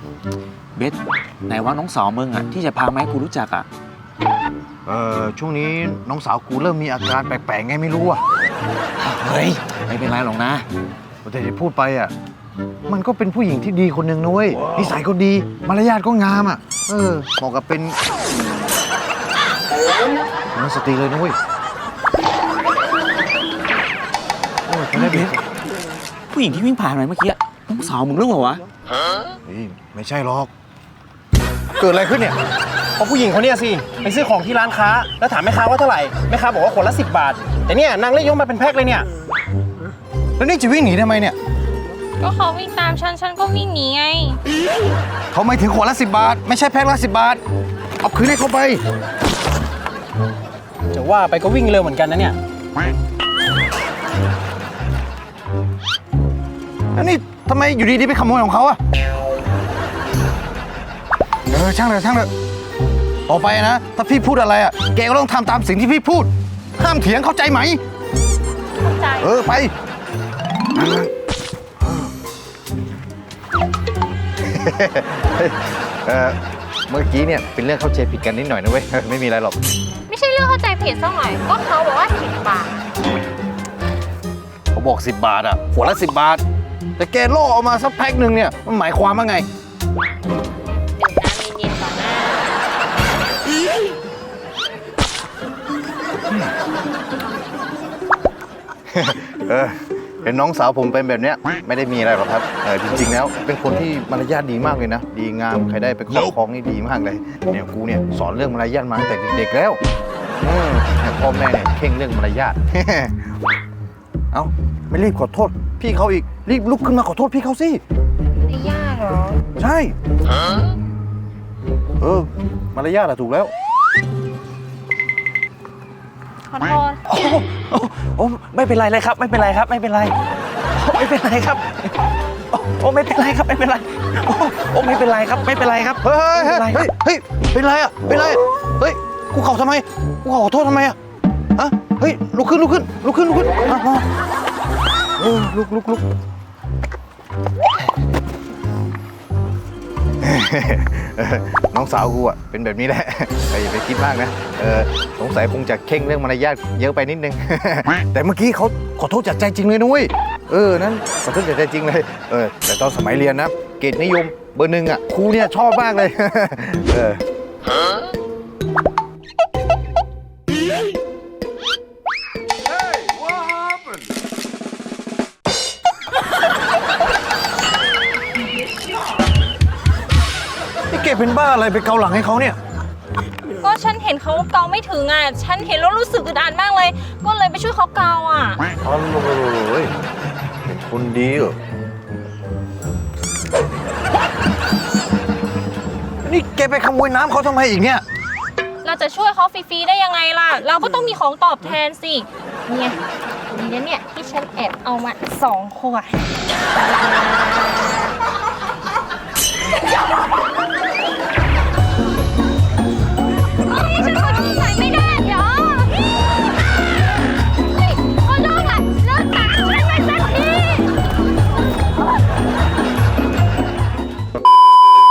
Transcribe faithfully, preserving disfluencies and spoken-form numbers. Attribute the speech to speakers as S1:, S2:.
S1: เบสไหนว่าน้องสาวมึงอ่ะที่จะพามาให้กูรู้จักอ่ะ
S2: เออช่วงนี้น้องสาวกูเริ่มมีอาการแปลกๆไงไม่รู้อ่ะ
S1: เฮ้ยไม่เป็นไรหรอกนะ
S2: แต่ที่พูดไปอ่ะมันก็เป็นผู้หญิงที่ดีคนหนึ่งนุ้ยนิสัยก็ดีมารยาทก็งามอ่ะเออเหมาะกับเป็นนักสตรีเลยนุ้ยโอ้ยคนนี้เบส
S1: ผู้หญิงที่วิ่งผ่านไปเมื่อกี้น้องสาวมึงหรือเปล่าวะ
S2: เฮ้ยไม่ใช่หรอกเกิดอะไรขึ้นเนี่ย
S3: เพราะผู้หญิงคนนี้สิไปซื้อของที่ร้านค้าแล้วถามแม่ค้าว่าเท่าไหร่แม่ค้าบอกว่าคนละสิบบาทแต่เนี่ยนางเล่ยกมาเป็นแพ็คเลยเนี่ย
S2: แล้วนี่จะวิ่งหนีทำไมเนี่ย
S4: ก็เขาวิ่งตามฉันฉันก็วิ่งหนีไง
S2: เขาไม่ถึงขวดละสิบบาทไม่ใช่แพ็คละสิบบาทเอาคืนให้เขาไป
S3: จะว่าไปก็วิ่งเร็วเหมือนกันนะเนี่ย
S2: แล้วนี่ทำไมอยู่ดีๆไปขโมยของเขาอะเออช่างเลยช่างเลยต่อไปนะถ้าพี่พูดอะไรอะแกก็ต้องทำตามสิ่งที่พี่พูดห้ามเถียงเข้าใจไหม
S4: เข้าใจ
S2: เออไปเออเมื่อกี้เนี่ยเป็นเรื่องเข้าใจผิดกันนิดหน่อยนะเว้ยไม่มีอะไรหรอก
S4: ไม่ใช่เรื่องเข้าใจผิดสักหน่อยก็เขาบอกว่าสิบบาท
S2: เขาบอกสิบบาทอะขวดละสิบบาทแต่แกล่อออกมาสักแพ็คหนึ่งเนี่ยมันหมายความว่าไง
S4: ดื่มน้ำเย็นๆก่อนนะ
S2: เออเห็นน้องสาวผมเป็นแบบเนี้ยไม่ได้มีอะไรหรอกครับเออจริงๆแล้วเป็นคนที่มารยาทดีมากเลยนะดีงามใครได้ไปครอบครองนี่ดีมากเลยเนี่ยกูเนี่ยสอนเรื่องมารยาทมาตั้งแต่เด็กๆแล้วอืมพ่อแม่เนี่ยเข่งเรื่องมารยาทเอ้าไม่รีบขอโทษพี่เขาอีกรีบลุกขึ้นมาขอโทษพี่เขาสิ
S4: ไม่ยากหรอ
S2: ใช่เออมารยาทอะถูกแล้ว
S4: ขอโทษ
S1: โอ้โอ้ไม่เป็นไรเลยครับไม่เป็นไรครับไม่เป็นไรไม่เป็นไรครับโอ้ไม่เป็นไรครับไม่เป็นไรโอ้โอ้ไม่เป็นไรครับไม่เป็นไรครับ
S2: เฮ้ยเฮ้ยเฮ้ยเฮ้ยเป็นไรอะเป็นไรเฮ้ยกูเข่าทำไมกูขอโทษทำไมอะฮะเฮ้ยลุกขึ้นลุกขึ้นลุกขึ้นลุกขึ้นมาเออลุกลุกลุกน้องสาวกูอ่ะเป็นแบบนี้แหละอย่าไปคิดมากนะเออสงสัยคงจะเข่งเรื่องมารยาทเยอะไปนิดนึงแต่เมื่อกี้เขาขอโทษจากใจจริงเลยนุ้ยเออนั้นขอโทษจากใจจริงเลยเออแต่ตอนสมัยเรียนนะเกรดนิยมเบอร์หนึ่งอ่ะครูเนี่ยชอบมากเลยเออเก็บเป็นบ้าอะไรไปเกาหลังให้เขาเนี่ย
S4: ก็ฉันเห็นเขาเกาไม่ถึงอ่ะฉันเห็นแล้วรู้สึกอึดอัดมากเลยก็เลยไปช่วยเขาเกาอ่ะ
S2: อ๋อเลยเป็นคนดีเหรอนี่แกไปขโมยน้ำเขาทำไมอีกเนี่ย
S4: เราจะช่วยเขาฟรีๆได้ยังไงล่ะเราก็ต้องมีของตอบแทนสิเนี่ยนี่เนี่ยที่ฉันแอบเอามาสองขวด